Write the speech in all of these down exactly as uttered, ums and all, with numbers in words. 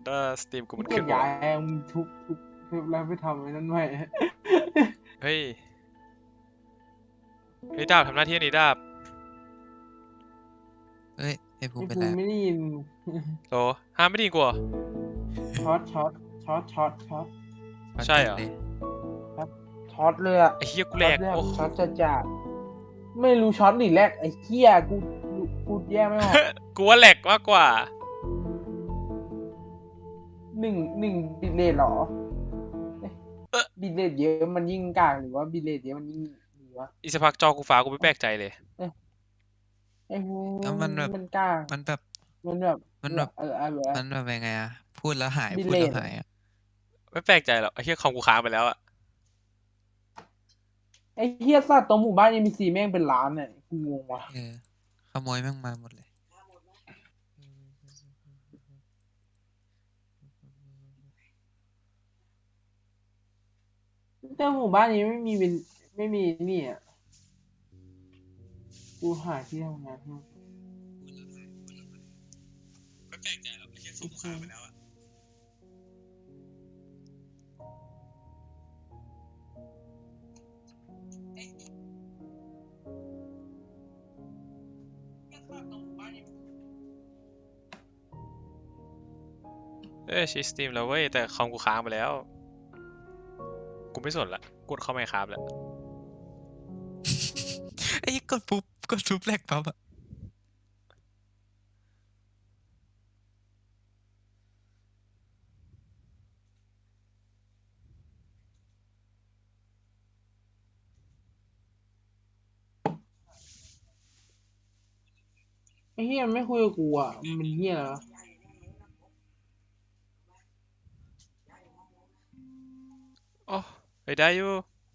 ถ้าสตรีมกูมันเกีขึ้ยนดหมดย้ายมึงทุบทุบทุบแล้วไปทำไอ้นั่นใหม่เฮ้ยเฮ้ยดาบทำหน้าที่นี้ดาบเอ้ยไอ้ภูไอ้มิเป็นภูไรมิไม่ได้ยินโหห้ามไม่ดีกว่าช็อตช็อตช็อตช็อตช็อตใช่เหรอเลยช็อตเลยอะไอ้เฮียกูแหลกช็อตโอ้ช็อตจะจัดไม่รู้ช็อตหรือแรกไอ้เหี้ยกูกูแยกไม่ออกกูว่าแหลกมากกว่าหนึ่งหนึ่งบิตเรทเหรอเอ๊ะบิตเรทเยอะมันยิ่งกากหรือว่าบิตเรทเยอะมันยิ่งหรือว่าอีสกพักจอกูฟ้ากูไม่แปลกใจเลยไอ้ภูแล้วมันแบบมันกากมันแบบมันแบบมันแบบเออเออเออมันแบบยังไงอะพูดแล้วหายบิลพูดเลแล้วตหายอะไม่แปลกใจหรอกไอ้เฮียคอมกูค้างไปแล้วอะไอ้เหี้ยสัตว์ตรงหมู่บ้านยังมีซีแม่งเป็นล้านเนี่ยกูงงว่ะเออขโมยแม่งมาหมดเลยแต่หมู่บ้านนี้ไม่มีเป็นไม่มีนี่อ่ะกูหาที่ทำงานให้ไม่แปลกใจหรอกไอ้เฮียคอมกูค้างไปแล้วอะ เอ้ยชีสตรีมแล้วเว้ยแต่คอมกูค้างไปแล้วกูไม่สนละกดเข้าไมค์ครับแล้วไอ้กดปุ๊บกดปุ๊บแรกปั๊บอะไอ้เหี้ยมันไม่คุยกับกูอ่ะมันเป็นเหี้ยเหรอโอ้ไปได้อยู่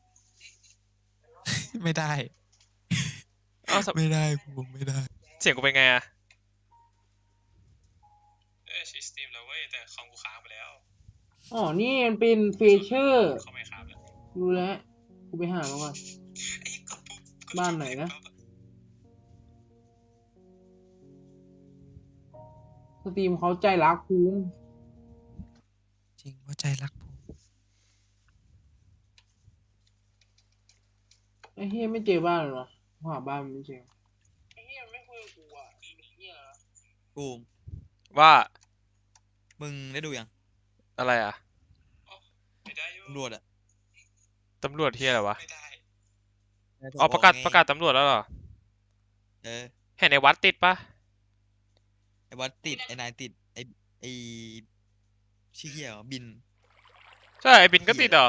ไม่ได้เอ้าสไม่ได้ภูมิไม่ได้เสียงกูเป็นไงอะเอ้ยชีสตรีมแล้วเว้ยแต่คอมกูค้างไปแล้วอ๋อนี่มันเป็นเฟเชอร์เข้าไมค์ครับแล้วรู้แล้วกูไปหามาก่อนบ้านไหนนะสตรีมเขาใจรักภูมิจริงว่าใจรักภูมิไอ้เหี้ยไม่เจอบ้านเลยวะหาบ้านมันไม่เจอไอ้เหี้ยมันไม่คุยกับกูอ่ะมันเป็นเหี้ยเหรอภูมิว่ามึงได้ดูยังอะไรอะไปได้อยู่ตำรวจอะตำรวจเฮียอะไรวะไม่ได้อ๋อประกาศประกาศตำรวจแล้วเหรอเออเห็นในวัดติดปะไอ้วัดติดไอ้นายติดไอ้ไอ้ชื่อเหี้ยเหรอบินใช่ไอ้บินก็ติดเหรอ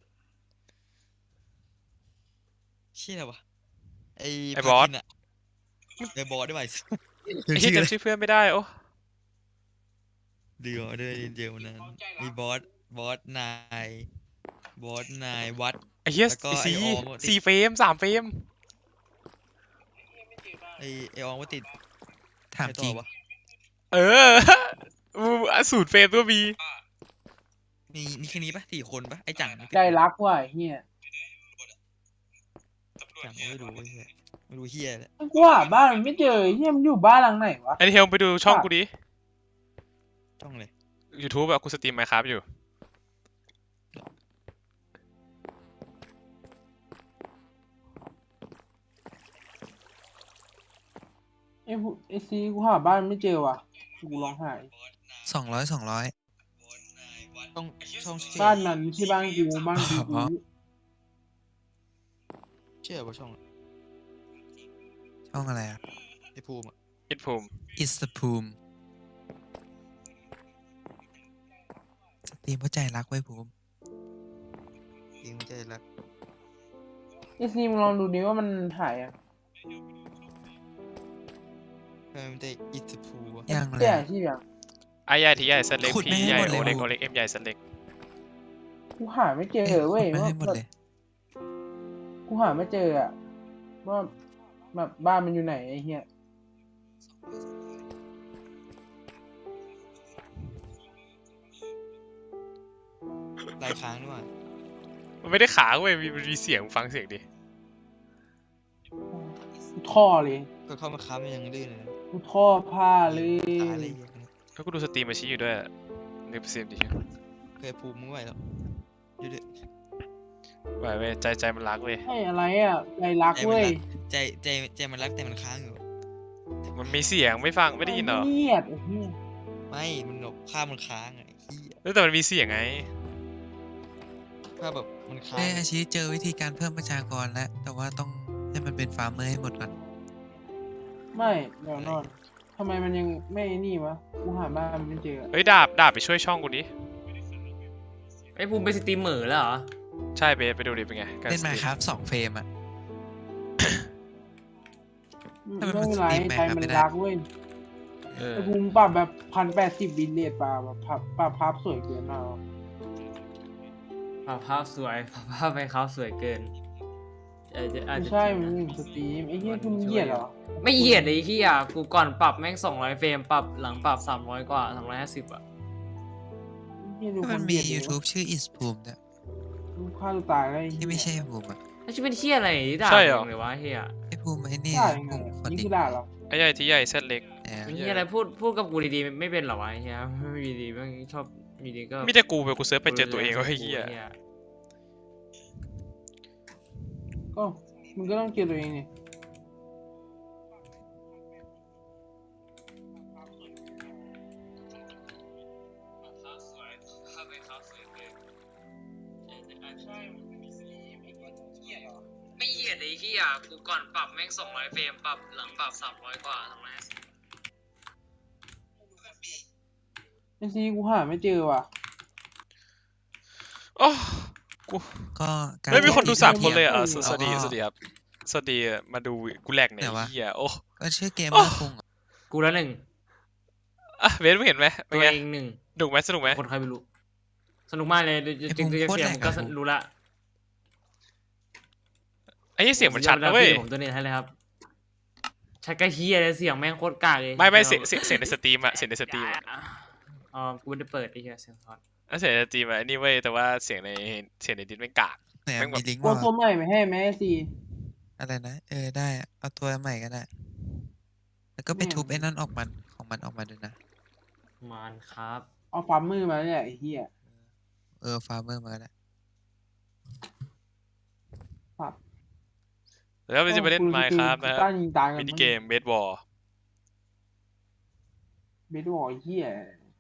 ชื่ออะไรวะไอ้ไอ้พาบอสคินอะไอ้บอสด้วยไอ้เฮียจำชื่อเพื่อนไม่ได้โอ้เดือดด้วยเดียวนั้นมีบอสบอสนายบอสนายวัดไอ้เฮียแล้วก็ไอ้ไอ้สีออมอะติดสี่เฟรมสามเฟรมไอ้ไอ้อองว่าติดถามใครจต่ริอง วะเออ อูสูตรเฟรมก็มีมีมีแค่นี้ปะสี่คนปะไอ้จังใจรักว่ะไอ้เหี้ยจังไม่รู้ไอ้เหี้ยไม่รู้เหี้ยเลยกูหาบ้านมันไม่เจอไอ้เหี้ยมันอยู่บ้านหลังไหนวะไอเทลไปดูช่องกูดิจ้องเลย YouTube อะกูสตรีมไมค์ครับอยู่ไอ้ผู้ไอ้ซีกูหาบ้านมันไม่เจอว่ะกูร้องไห้สองร้อยสองร้อยช่องช่องชื่อบ้านมันไม่ใช่บ้านกูบ้านกูอ๋อชื่ออะไรวะช่องช่องอะไรอ่ะไอ้ภูมิอะอิดภูมิ It's the ภูมิสตรีมเพราะใจรักไว้ภูมิจริงใจรักไอ้ซีมึงลองดูดิว่ามันถ่ายอ่ะเออมันจะอิสภูมิอะยังเลเสียยอะที่อย่างไอใหญ่ทีใหญ่สันเล็กขุดพีไม่ให้ใหญ่หมดโอเลยเล็กผมโอเล็กเอ็มใหญ่สันเล็กกูหาไม่เจอเว้ยไม่ว่าให้หมดแบบเลยกูหาไม่เจออ่ะว่าแบบบ้านมันอยู่ไหนไอ้เหี้ยลายค้างด้วยมันไม่ได้ขาเว้ยมีมันมีเสียงฟังเสียงดิกูท่อเลยก็เข้ามาค้ำยังดื้อเลยกูท่อผ้าเลยตายเลยแล้วกูดูสตรีมมาชี้อยู่ด้วยอะเก็บเสียมดิเคยภูมิมึงไหวแล้วดูดิไหวเว้ยใจใจมันรักเว้ยให้อะไรอ่ะใจรักเว้ยใจใจใจมันรักแต่มันค้างอยู่มันมีเสียงไม่ฟังไม่ได้ยินเหรอเงียบไอ้เหี้ยไม่มันแบบภาพมันค้างอะไอ้เหี้ยเออแต่มันมีเสียงไงภาพแบบมันค้างเอ้ยอาชีเจอวิธีการเพิ่มประชากรแล้ว แต่ว่าต้องให้มันเป็นฟาร์มเมอร์ให้หมดก่อนไม่เดี๋ยวนอนทำไมมันยังไม่นี่วะกูหาบ้านมันไม่เจอเฮ้ยดาบดาบไปช่วยช่องกูดิไอ้ภูมิเป็นสตรีมเมอร์แล้วเหรอใช่เบสไปดูดิเป็นไงการเล่นสตมารีมครับสองเฟรมอ่ะไม่ทำไมมันเป็นไรสตรีมไหมใจครับมันไม่ได้รักเว้ยเออไอ้ภูมิปรับแบบพันแปดสิบบินเลทปรับแบบปรับปรับภาพสวยเกินมาภาพภาพสวยภาพภาพไปเขาสวยเกินเออจะอาจไม่จะใช่จริงมันนะสตรีมไอ้เหี้ยคุณเหยียดเหรอไม่เหยียดเลยที่อ่ะกูก่อนปรับแม่งสองร้อยเฟรมปรับหลังปรับสามร้อยกว่าสามร้อยห้าสิบอ่ะเหี้ยดูถ้าคมันนเหมียียดดิ YouTube ชื่อ is ภูมิเนี่ยดูฆ่าตัวตายแล้วอ้เหี้ยที่ไม่ใช่ภูมิอ่ะแล้วชื่อเป็นเที่ยอะไรด่าใช่เหรอมึงเลยวะเฮียไอ้ภูมิไอ้นี่ด่านะยังไงภูมิคนนี่ดีคือด่าเหรอไอ้ใหญ่ที่ใหญ่เส้นเล็กเนี่ยเป็นเฮียอะไรพูดพูดกับกูดีๆไม่เป็นเหรอวะเฮียไม่ดีๆแม่งชอบมีดีก็มีแต่กูไปกูเซิร์ชไปเจอตัวเองว่าไอ้เหี้ยก็มึงก็ต้องเกลียดตัวเองนี่ไม่เหยียดเลยที่อ่ะกูก่อนปรับแม่งสองร้อยเฟรมปรับหลังปรับสามร้อยกว่าสามร้อยห้าสิบไอ้ซีกูหาไม่เจอว่ะโอ้กูก็การไม่มีคนดูที่สามคนเลยอ่ะเออสสวัสดีสวัสดีครับสวัสดีมาดูกูแหลกเนี่ยไหนวะไอ้เหี้ยโอ้ก็ชื่อเกมโอ้เมอร์คุงอะกูละหนึ่งอ่ะเบสไม่เห็นไหมเป็ตันวไงเองหนึ่งสนุกไหมสนุกไหมคนใครไม่รู้ สนุกมากเลยจริงๆเสียงก็รู้ละไอ้เหี้ยเสียงมันชัดนะเว้ยผมตัวนี้ให้เลยครับชัดกระเฮียเลยเสียงแม่งโคตรกากเลยไม่ไม่เสียงเสียงเสียงในสตรีมอะเสียงในสตรีมอะอ๋อกูไม่ได้เปิดไอ้เหี้ยเสียงทอดอ่ะเสียงในสตรีมอะอันนี้เว้ยแต่ว่าเสียงในเสียงในดิสไม่งกากเนี่ยแม่งแบบมีลิงก์ตัวมาตัวใหม่ไม่ให้ไหมไอ้ซีอะไรนะ เออได้อะเอาตัวใหม่ก็ได้ แล้วก็ไปเนี่ยทุบไอ้นั่นออกมันของมันออกมาด้วยนะมันครับเอาฟาร์มมือมาเนี่ยไอ้เหี้ยเออฟาร์มเมอร์มาก็ได้ปรับแล้วเราจะไปเล่นไมค์ครับนะฮะต้านยิงตายกันมินิเกมเบสบอลเบสบอลไอ้เหี้ย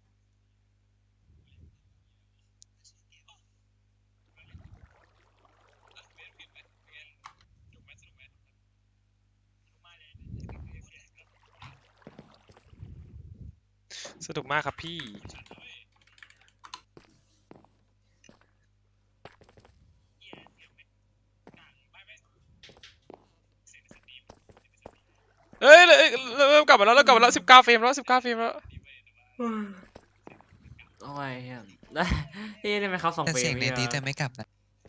สนุกมากครับพี่เอ้ยเอ้ยเริ่มกลับมาแล้วเริ่มกลับมาแล้วสิบเก้าเฟรมแล้วสิบเก้าเฟรมแล้วโอ้ยเฮียได้เฮ้ยได้ไหมครับสองแต่เฟรเสียงมในดีแต่ไม่กลับนะ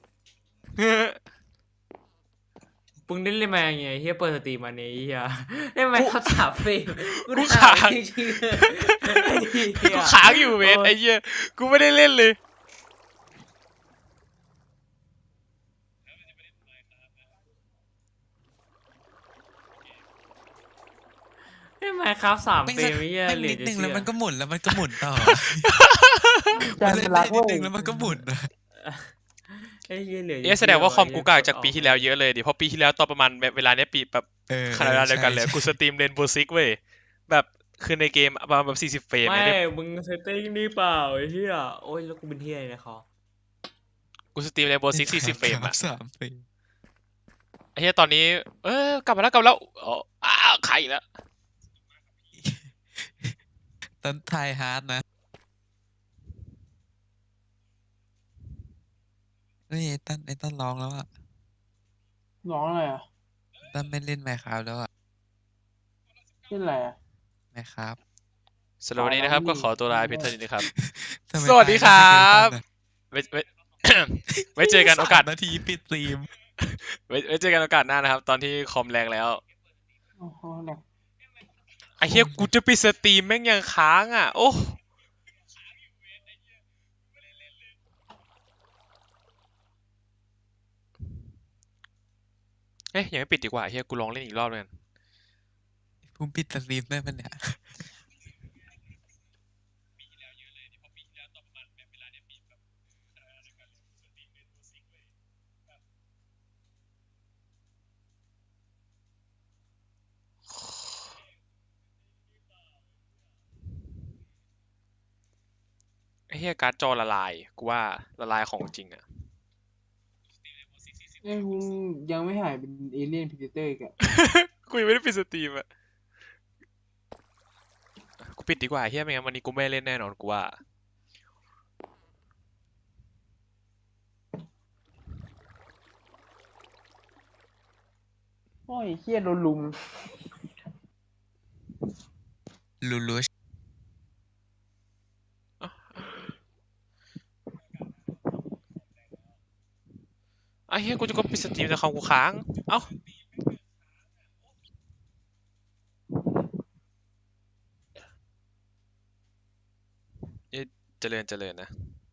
ปึงได้เล่นมาไงเฮียเปิดสตรีมมาเนี่ยเฮียได้ไหมครับสามเฟรมกูได้กูอ่าค้างนจริงๆเลยไอ้เหี้ยกูค้างอยู่เวทไอ้เหี้ยกูไม่ได้เล่นเลยได้ไหมครับสามแม่งเฟรสักมไอ้เฮียแม่งเหลืนิอดจะนึงเชื่แล้วอมันก็หมุนแล้วมันก็หมุนต่อใจมันมัเล่นนรัได้กนิเว้ดยนึงแล้วมันก็หมุนอะไอ้เฮียเหลือจะเอ๊ะแสดงว่าคอมกูกากเชื่จากปีที่แล้วเยอะเลยดิเพราะปีที่แล้วตอนประมาณเวลาเนี้ยปีแบบเออขนาดเวลาเดียวกันเลยใช่กูสตรีมเรนโบว์ซิกเว้ยแบบคือในเกมประมาณแบบสี่สิบเฟรมไม่เนี่ยมึงเซตติ้งนี่เปล่าไอ้เฮียโอ้ยแล้วกูเป็นเฮียเลยนะคอกูสตรีมเรนโบว์ซิกสี่สิบเฟรมอะสามเฟรมไอ้เหี้ยตอนนี้เออกลับมาแล้วกลับมาแล้วอ๋ออ้าวใครอีกแล้วตอนไทยฮาร์ดนะเฮ้ยไอ้ตั้นไอ้ตั้นร้องแล้วอะร้องอะไรอ่ะตั้นไม่เล่นไมค์ครับแล้วอะเล่นอะไรอ่ะไมค์ครับสำหรับวันนี้นะครับก็ขอตัวลาเพียงเท่านี้นะครับทำไมสวัสดีคตารัยบ ไว้ไว้ ไว้เจอกันโอกาสสมนาทีปิดสตรีมไว้ไว้เจอกันโอกาสหน้านะครับ ตอนที่คอมแรงแล้วโอ้โหหนักไอ้เหี้ยกูจะปิดสตรีมแม่งยังค้างอ่ะ โอ้เอ๊ะยังไม่ปิดดีกว่าเฮียกูลองเล่นอีกรอบเลยกันภูมิปิดสตรีมได้ปะเนี่ยไอ้เหี้ยการ์ดจอละลายกูว่าละลายของจริงอะเอ้ยมึงยังไม่หายเป็นเอเลี่ยนพิเตอร์อีกอะกูยังไม่ได้ปิดสตรีมอะกูปิดดีกว่าเฮียไม่งั้นวันนี้กูไม่เล่นแน่นอนกูว่าโอ้ยเฮียโดนลุมลูลูชไอ้เฮียกูจะก็ปิดสตรีมแต่คอมกูค้าง เอ้าเอ๊ะเจริญเจริญนะ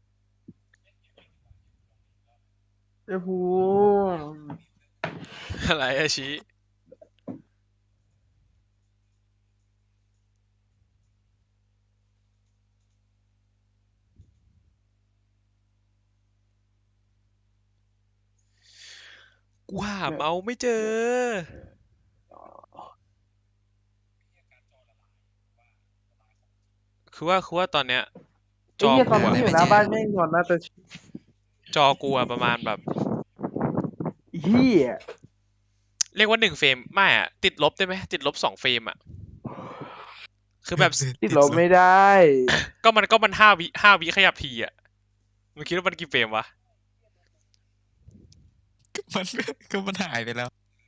ไอ้พูอะไรอะชี้กูหาเมาส์ไม่เจอ คือว่าคือว่าตอนเนี้ย จไอ้อเฮียตอกูนนี้อะอยู่หน้าบ้านแม่งนอนหน้าตาจอกูอะประมาณแบบเฮียเรียกว่าหนึ่งเฟรมไม่อะติดลบได้ไหมติดลบสองเฟรมอะคือแบบติดลบไม่ได้ก็มันก็มันห้าวิห้าวิขยับทีอะมึงคิดว่ามันกี่เฟรมวะมันก็มันหายไปแล้ว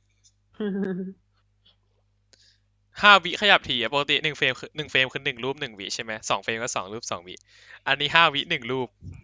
ห้าวิขยับทีอะปกติหนึ่งเฟรมคือหนึ่งเฟรมคือหนึ่งรูปหนึ่งวิใช่ไหมสองเฟรมก็สองรูปสองวิอันนี้ห้าวิหนึ่งรูป